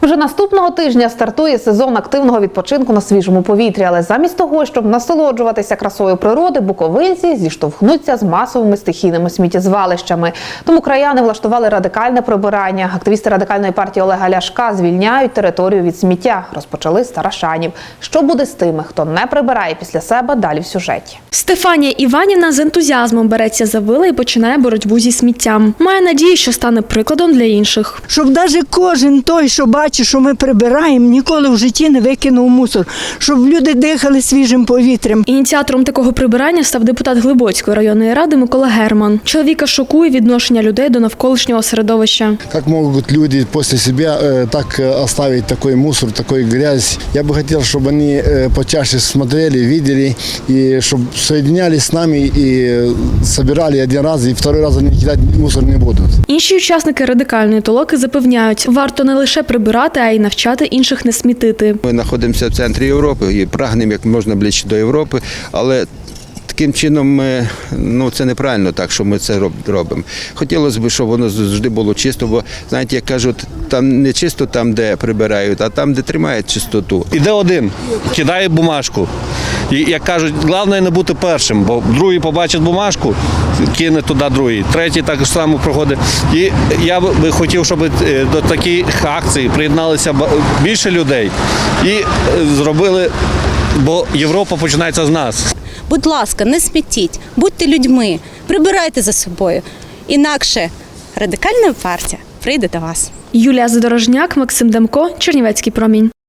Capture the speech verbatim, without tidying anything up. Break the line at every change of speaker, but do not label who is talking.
Вже наступного тижня стартує сезон активного відпочинку на свіжому повітрі, але замість того, щоб насолоджуватися красою природи, буковинці зіштовхнуться з масовими стихійними сміттєзвалищами. Тому краяни влаштували радикальне прибирання. Активісти радикальної партії Олега Ляшка звільняють територію від сміття. Розпочали з Тарашанів. Що буде з тими, хто не прибирає після себе, далі в сюжеті.
Стефанія Іванівна з ентузіазмом береться за вила і починає боротьбу зі сміттям. Має надію, що стане прикладом для інших.
Щоб навіть кожен той, що бачить, що ми прибираємо, ніколи в житті не викинув мусор. Щоб люди дихали свіжим повітрям.
Ініціатором такого прибирання став депутат Глибоцької районної ради Микола Герман. Чоловіка шокує відношення людей до навколишнього середовища.
Як можуть люди після себе так оставити такий мусор, таку грязь? Я би хотів, щоб вони почаще смотрели, бачили, і щоб соєднялись з нами і збирали один раз, і другий раз вони кидати мусор не будуть.
Інші учасники радикальної толоки запевняють, варто не лише прибирати, а й навчати інших не смітити.
Ми знаходимося в центрі Європи і прагнемо як можна ближче до Європи, але таким чином ми, ну, це неправильно так, що ми це робимо. Хотілося б, щоб воно завжди було чисто, бо, знаєте, як кажуть, там не чисто там, де прибирають, а там, де тримають чистоту.
Іде один, кидає бумажку. І, як кажуть, головне не бути першим, бо другий побачить бумажку, кине туди другий, третій так само проходить. І я би хотів, щоб до таких акцій приєдналися більше людей і зробили, бо Європа починається з нас.
Будь ласка, не смітіть, будьте людьми, прибирайте за собою. Інакше радикальна партія прийде до вас.
Юлія Задорожняк, Максим Демко, Чернівецький промінь.